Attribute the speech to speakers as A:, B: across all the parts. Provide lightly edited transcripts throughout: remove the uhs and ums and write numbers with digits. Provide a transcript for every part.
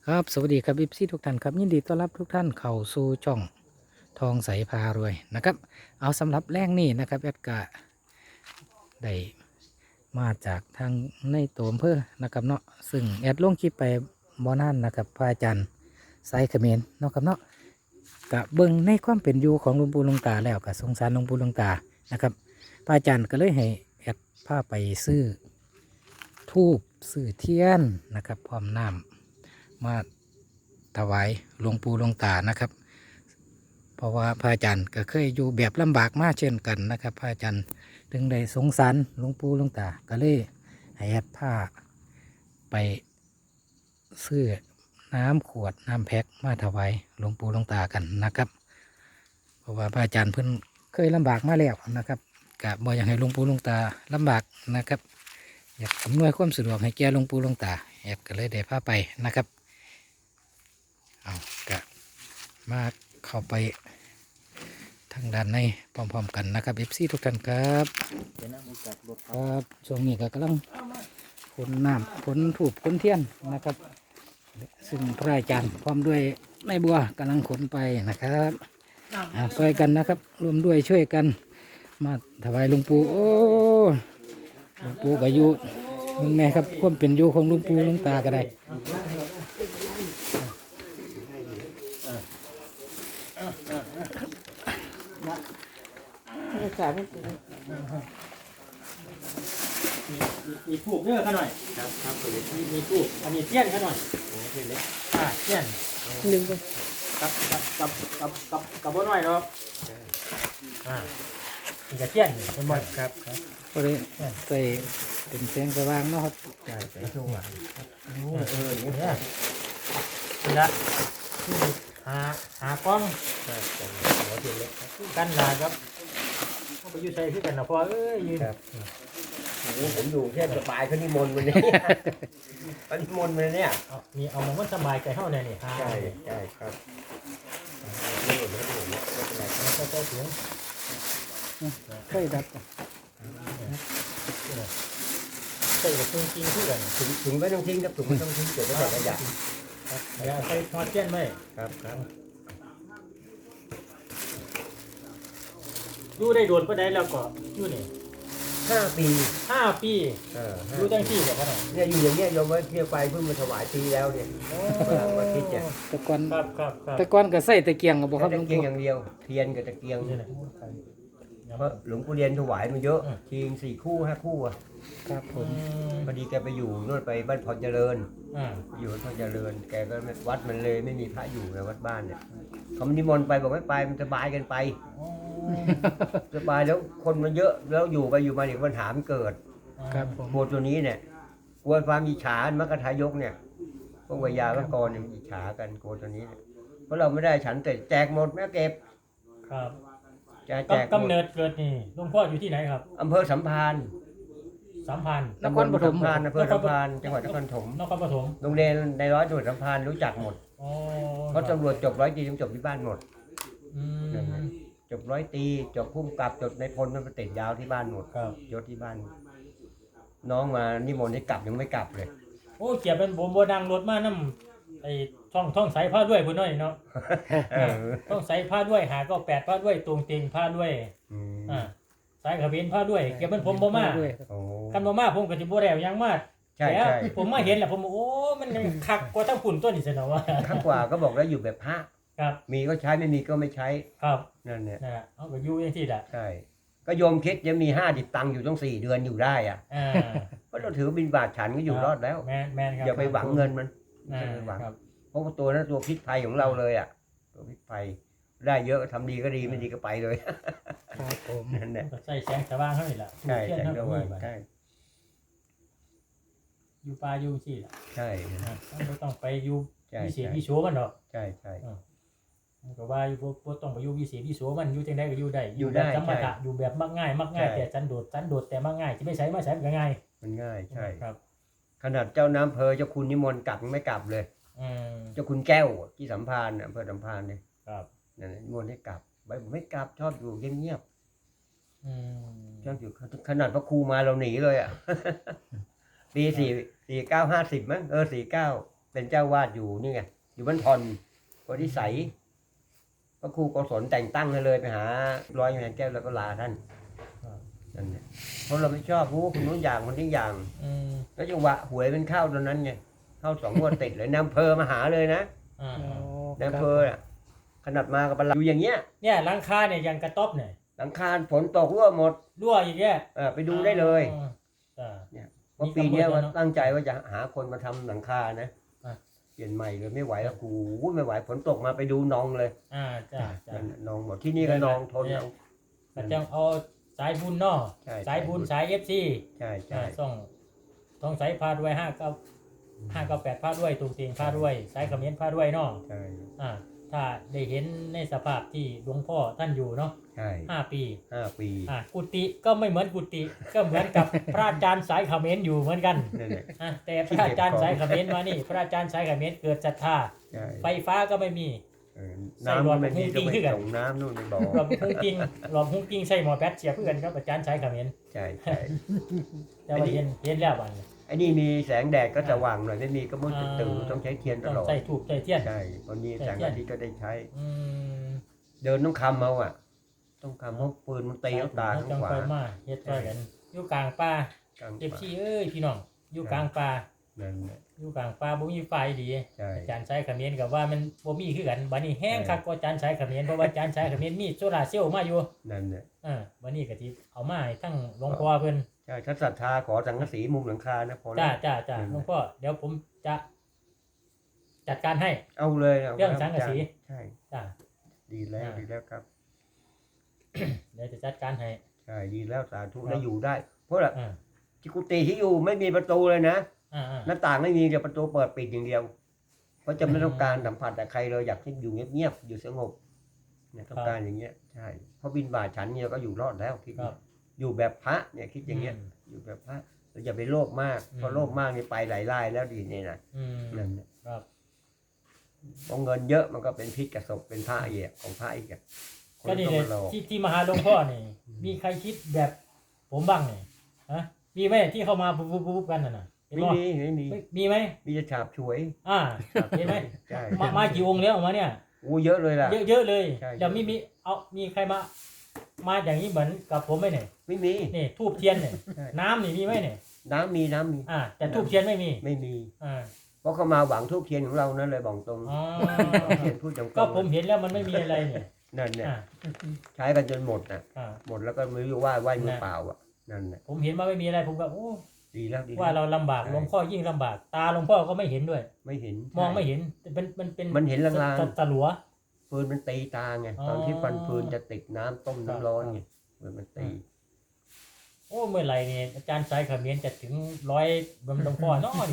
A: ครับสวัสดีครับอิฟซี่ทุกท่านครับยินดีต้อนรับทุกท่านเข้าสู่ช่องทองใสพารวยนะครับเอาสำหรับแรกนี่นะครับแอดกะได้มาจากทางในตัวอำเภอนะครับเนาะซึ่งแอดลงคลิปไปบ่อนานนะครับพระอาจารย์ไซเขมรเนาะครับเนาะกะเบิ่งในความเป็นอยู่ของหลวงปู่หลวงตาแล้วกะสงสารหลวงปู่หลวงตานะครับพระอาจารย์ก็เลยให้แอดพาไปซื้อทูบซื้อเทียนนะครับพร้อมน้ำมา ถวายหลวงปู่หลวงตานะครับเพราะว่าพระอาจารย์ก็เคยอยู่แบบลำบากมากเช่นกันนะครับพระอาจารย์ถึงได้สงสารหลวงปู่หลวงตาก็เลยให้แอดผ้าไปซื้อน้ำขวดน้ำแพ็คมาถวายหลวงปู่หลวงตากันนะครับเพราะว่าพระอาจารย์เพิ่นเคยลำบากมาแล้วนะครับกะบ่อยากให้หลวงปู่หลวงตาลำบากนะครับอยากอำนวยความสะดวกให้แก่หลวงปู่หลวงตาแอดก็เลยได้พาไปนะครับเอากะมาเข้าไปทางด้านในพร้อมๆกันนะครับเอฟซีทุกท่านครับครับช่วงนี้ก็กำลังขนน้ำขนถูกขนเทียนนะครับซึ่งพระอาจารย์พร้อมด้วยแม่บัวกำลังขนไปนะครับช่วยกันนะครับรวมด้วยช่วยกันมาถวายหลวงปู่โอ้หลวงปู่ก็อยู่มึงไงครับความเป็นอยู่ของหลวงปู่หลวงตาก็ได้
B: มีทูบเยอะขน่อยครับมีทูบอันนี้เทียนขน่อยโอ้เทียนเล็กเทียนลืมไปกับบ่น้อยเนาะมีกระเทียนเป็นบ่ครับ
A: ก็เลยใส่เป็นแสงสว่างเนาะครับ
B: ใส่ช่วงว่ะอย่างเงี้ยนี่ละหากล้องกันนาครับไปอยู่ใส่ที่กันนะพอยืน
C: ผมอยู่แค่สบายเขานิมนต์วันนี้เขานิมนต์วันนี้
B: นี่เอามันสบายใจเท่าเนี่ยนี่
C: ใช่ครับ
B: ก็เสียง
A: เคยดับ
B: ใส่กับจริงที่กัน
C: ถุงไม่ต้องทิ้งครับถุงไม่ต้องทิ้งเกิดได้แต่ขยะ
B: อย่าใส่ทอดเทียนไหม
C: ครับ
B: อยู่ได้โดนก็ได้แล้วก็อยู่นี่
C: 5 ปี
B: อยู่ตั้งที่แบบนั้น
C: เนี่ยอยู่อย่างเงี้ยโยมว่าเที่ยวไปเพิ่งมาถวายปีแล้วเนี่ยมาคิดเนี่ย
A: ตะกอน
B: ครับ
A: ตะกอนก็ใส่ตะเกียงกับบ่ครับหลวง
C: ตะเกีย
A: ปู่
C: งอย่างเดียวเทียนกับตะเกียงเพราะหลวงปู่เรียนถวายมาเยอะทีง4 คู่ 5 คู่อ่ะ
A: ครับผม
C: พอดีแกไปอยู่นู่นไปบ้านพรเจริญอยู่พรเจริญแกก็วัดมันเลยไม่มีพระอยู่ในวัดบ้านเนี่ยเขานิมนต์ไปบอกไม่ไปมันสบายกันไปสบายแล้วคนมันเยอะแล้วอยู่ไปอยู่มาเดี๋ยวปัญหามันเกิด
A: ครับผม
C: โบสถ์ตัวนี้เนี่ยกลัวความอิจฉามัคคทายกเนี่ยพวกวิยาวักรเนี่ยอิจฉากันโกตัวนี้เพราะเราไม่ได้ฉันแต่แจกหมดแม่เก็บ
B: ครับ
C: แจก
B: กำเนิดเกิดนี่หลวงพ่ออยู่ที่ไหนครับ
C: อำเภอสัมพันธ์
A: นครปฐม
C: อำเภอสัมพันธ์จังหวัดนครปฐมโรงเรียนในร้อยตำรวจสัมพันธ์รู้จักหมดเพราะตำรวจจบ100 ตรีจบที่บ้านหมดจบ100 ตรีจบพุ่มกับจบในพลมันไปติดยาวที่บ้านหมดยศที่บ้านน้องมานิมนต์ให้กลับยังไม่กลับเลย
B: โอ้เกียบเป็นโบดังรถมาน้ำไอ้ท่องใส่ผ้าด้วยพุ่นน้อยเนาะต้องใส่ผ้าด้วยหาก็8ผ้าด้วยตรงเต็งผ้าด้วยสายขมิ้นผ้าด้วยเก็บเป็นผมบ่มากันบ่มาผมก็จะบ่ได้ยังมา
C: ใช่
B: ผมมาเห็นแหละผมโอ้มันคักกว่าทั้งฝุ่นตัวนี้ซะเนาะว่า
C: คักกว่าก็บอกแล้วอยู่แบบพระ
B: ครับ
C: มีก็ใช้ไม่มีก็ไม่ใช้
B: ครับ
C: นั่นเนี่ย
B: เอาก็อยู่อย่างที่ละ
C: ใช่ก็โยมคิดยังมี50 ตังค์อยู่ต้อง4 เดือนอยู่ได้อ่ะเพราะเราถือบิณฑบาตฉันก็อยู่รอดแล้ว
B: แม่นครับ
C: อย่าไปหวังเงินมันอย่าไปหวังเพราะตัวนั้นตัวพิษภัยของเราเลยอ่ะตัวพิษภัยได้เยอะทำดีก็ดีไม่ดีก็ไปเลย
A: ครับผม
C: นั่นแหละ
B: ใส่แสงสว่างเท่านี้แหละ
C: ใช่แสงสว่างใช่
B: อยู่ป่าอยู่ที่ละ
C: ใช่
B: ไม่ต้องไปอยู่วิเศษวิโสมันหรอก
C: ใช่
B: ก็ว่าอยู่บ่ต้องไปอยู่วิเศษวิโสมันอยู่จังได๋ก็อยู่ได้อยู่แบบธรรมะอยู่แบบมักง่ายแต่สันโดษแต่มักง่ายสิไม่ใช้มาใช้ก็ง่าย
C: มันง่ายใช่
B: ครับ
C: ขนาดเจ้าน้ำเพอเจ้าคุณนิมนต์กลับไม่กลับเลยเจ้าคุณแก้วที่สัมพันธ์อำเภอสัมพันธ์เนี่ย
B: ครับ
C: นั่นนิมนต์ให้กลับผมไม่กลับชอบอยู่เงียบๆชอบอยู่ขนาดพระครูมาเราหนีเลยอ่ะปี4950มั้ง49 เป็นเจ้าวาดอยู่นี่ไงอยู่บ้านทอนโพธิสัยพระครูโกศลแต่งตั้งให้เลยไปหาร้อยแห่งแก้วแล้วก็ลาท่านนั่นแหละเพราะเราไม่ชอบรู้คนนู้นอย่างคนนี้อย่างแล้วจังหวะหวยเป็นเข้าตอนนั้นไงเข้า2 งวดติดเลยนายอำเภอมาหาเลยนะนายอำเภอน่ะขนาดมากับอยู่อย่างเงี้ย
B: เนี่ยหลังคาเนี่ยยังกระต๊อบเนี่ย
C: หลังคาฝนตกรั่วหมด
B: รั่วอย่างเงี้ย
C: ไปดูได้เลย
B: เนี่ย
C: เพราะปีนี้ว่าตั้งใจว่าจะหาคนมาทำหลังคานะเปลี่ยนใหม่เลยไม่ไหวแล้วกูไม่ไหวฝนตกมาไปดูนองเลย
B: จ้า
C: นองหมดที่นี่ก็นองทนเอา
B: ก็จะเอาสายบุญเนาะสายบุญสายFC
C: ใช่
B: ต้องสายพาด้วย598พาด้วยตุงเตียงพาด้วยสายเขมิ้นพาด้วยเนาะ
C: ใช่
B: ถ้าได้เห็นในสภาพที่หลวงพ่อท่านอยู่เนาะ
C: ใช่
B: 5 ปีกุฏิก็ไม่เหมือนกุฏิก็เหมือนกับพระอาจารย์สายเขมิ้นอยู่เหมือนกันแต่พระอาจารย์สายเขมิ้นมานี่พระอาจารย์สายเขมิ้นเกิดศรัทธาไฟฟ้าก็ไม่มี
C: น้ำมันไม่มีก็ไม่ส่งน้ำนู่นในบ่อ
B: หลอดหุ้งกิ้งใส่หมอแป๊ดเสียเพื่อนครับอาจารย์สายเขมิ้น
C: ใช่
B: แต่ว่าเห็นแล้วบ้าง
C: ไอ้นี่มีแสงแดดก็จะว่างหน่อยไม่มีก็มืดตื่นต้องใช้เทียนตลอด
B: ใส่ถูกใส่เทียน
C: ใช่ตอนนี้แสงอาทิตย์ก็ได้ใช้เดินต้องคำเอาต้องคำเพราะปืนมันตีเอาตาข้างขวา
B: มาเฮ็ดด้วยกันอยู่กลางป่าเจ็บขี้พี่น้องอยู่กลางป่าอยู่กลางป่าบ่มีไฟดีอาจารย์ใช้เขมิ้นกับว่ามันบ่มีคือกันบัดนี้แห้งคักกว่าอาจารย์ใช้เขมิ้นเพราะว่าอาจารย์ใช้เขมิ้นมีโซลาร์เซลล์มาอยู่
C: นั่นแหละ
B: บัดนี้ก็สิเอามาให้ทั้งหลวงพ่อเพิ่น
C: ใช่ถ้าศรัทธาขอสังกะสีมุมหลังคานะพอแล้ว
B: จ้าหลวงพ่อเดี๋ยวผมจะจัดการให้
C: เอาเลย
B: เรื่องสังกะสี
C: ใช่จ้าดีแล้วครับ
B: เดี๋ยวจะจัดการให้
C: ใช่ดีแล้วสาธุได้อยู่ได้เพราะที่กุฏิที่อยู่ไม่มีประตูเลยนะหน้าต่างไม่มีแต่ประตูเปิดปิดอย่างเดียวเพราะจะไม่ต้องการสัมผัสแต่ใครเลยอยากที่อยู่เงียบๆอยู่สงบเนี่ยต้องการอย่างเงี้ยใช่เพราะบิณฑบาตฉันเนี่ยก็อยู่รอดแล้วคิดอยู่แบบพระเนี่ยคิดอย่างเงี้ยอยู่แบบพระเราอย่าไปโลภมากเพราะโลภมากนี่ไปหลายรายแล้วดีนี่นะนั่นแหละพอเงินเยอะมันก็เป็นพิษกับศพเป็นพระอีกของพระอีก
B: ก็นี่เลยที่มาหาหลวงพ่อนี่มีใครคิดแบบผมบ้างเนี่ยมีไหมที่เข้ามาปุ๊บกันน่ะ
C: ไม่
B: มีไหม
C: มีจะฉาบฉวย
B: เห็นไหมมากี่องค์แล้วออกมาเนี่ย
C: เยอะเลยล่ะ
B: เยอะเลยเดี๋ยวมีใครมาอย่างนี้เหมือนกับผมไหมเนี่ย
C: ไม่มี
B: นี่ทูบเทียนเนี่ยน้ำนี่มีไหมเนี่ย
C: น้ำมี
B: แต่ทูบเทียนไม่มี
C: เพราะเขามาหวังทูบเทียนของเรานั่นเลยบอกตรง
B: เทียนพูดตรงก็ผมเห็นแล้วมันไม่มีอะไรเนี่ย
C: นั่นเนี่ยใช้กันจนหมดหมดแล้วก็ไม่รู้ว่าไหวมือเปล่านั่นแหละ
B: ผมเห็นว่าไม่มีอะไรผมก็โอ้
C: ดีแล้ว
B: ว่าเราลำบากหลวงพ่อยิ่งลำบากตาหลวงพ่อก็ไม่เห็นด้วย
C: ไม่เห็น
B: มองไม่เห็น
C: มันเห็นลาง
B: ๆตะหลัว
C: ปืนมันตีตาไงตอนที่ฟันปืนจะติดน้ำต้มน้ำร้อนไงมันตี
B: โอ้เมื่อไหร่เนี่ยอาจารย์สายเขมิ้นจะถึง100บำหลวงพ่อน้อย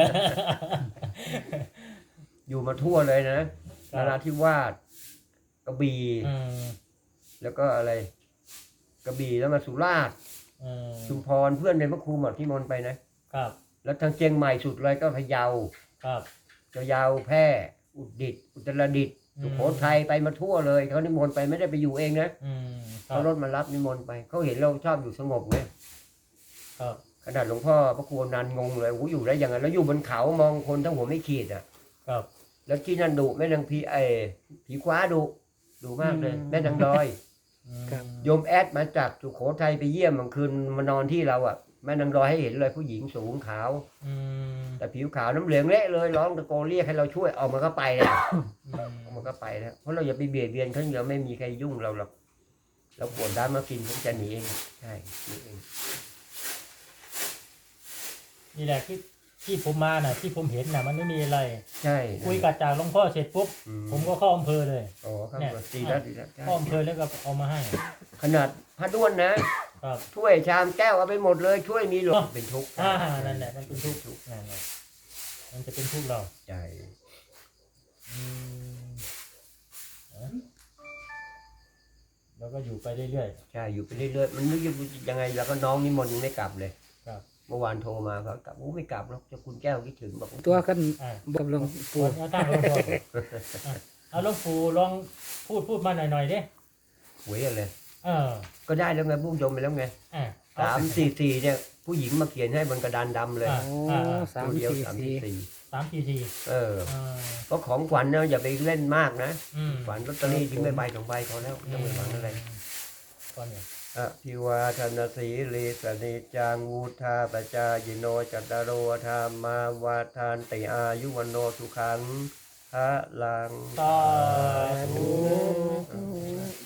C: อยู่มาทั่วเลยนะนราธิวาสกระบี่แล้วก็อะไรกระบี่แล้วมาสุราษฎร์ชุมพรเพื่อนในพระครูหมดที่มนไปนะครับแล้วทางเชียงใหม่สุดเลยก็พะเยา
B: ครับ
C: พะเยาแพร่อุตรดิตถ์สุโขทัยไปมาทั่วเลยเขานิมนต์ไปไม่ได้ไปอยู่เองนะเขารถมารับนิมนต์ไปเขาเห็นเราชอบอยู่สงบไงขนาดหลวงพ่อพระครูนันงงเลยโอ้อยู่ได้ยังไงแล้วอยู่บนเขามองคนทั้งหัวไม่ขีด
B: ครับ
C: แล้วที่นั่นดุแม่นางผีคว้าดุมากเลยแม่นางดอยโยมแอดมาจากสุโขทัยไปเยี่ยมเมื่อคืนมานอนที่เราแม่นางดอยให้เห็นเลยผู้หญิงสูงขาวแต่ผิวขาวน้ำเหลืองเละเลยร้องตะโกนเรียกให้เราช่วยออกมาก็ไปแล้วมันก็ไปแล้วเพราะเราอย่าไปเบียดเบียนเขาเดี๋ยวไม่มีใครยุ่งเราหรอกเราปวดด้านมากินผมจะหนีเองใช่นี่เอง
B: นี่แหละที่ผมมาน่ะที่ผมเห็นน่ะมันไม่มีอะไร
C: ใช่
B: คุยกับจากหลวงพ่อเสร็จปุ๊บผมก็เข้าอำเภอเลย
C: เนี่ยดีแล้ว
B: เข้าอำเภอแล้วก็เอามาให้
C: ขนาดพระด้วนนะช่วยชามแก้วเอาไปหมดเลยช่วยมีหลงเป็นทุกข์
B: นั่นแหละมันเป็นทุกข์นั่นแหละมันจะเป็นทุกข์เรา
C: ใช่
B: แล้วก็อยู่ไปเรื่อย
C: ๆใช่อยู่ไปเรื่อยๆมันนึกยังไงแล้วก็น้องนิมนต์ยังไม่กลับเลยเมื่อวานโทรมาเขากลับไม่กลับหรอกจะคุณแก้วคิดถึงบอก
A: ตัวกันบอกหลวงปู่
B: เอาหลวงปู่ลองพูดมาหน่อยดิ
C: หวยอะไรก็ได้แล้วไงบุ้งจมไปแล้วไง344เนี่ยผู้หญิงมาเขียนให้บนกระดานดำเลย
A: 344
B: 3 ที
C: ก็ของขวัญเนี่ยอย่าไปเล่นมากนะ
B: ม
C: ขวัญลอตเตอรี่ทิ้งไปใบ2 ใบพอแล้วไม่ต้องไปหวังอะไร
B: ตอนนี้
C: พิวาธนสีลีสนิจังวุธาปจายโนจัตตารโอธรรมาวาทานติอายุวันโนสุขังพระลัง
B: สาธุ
C: ส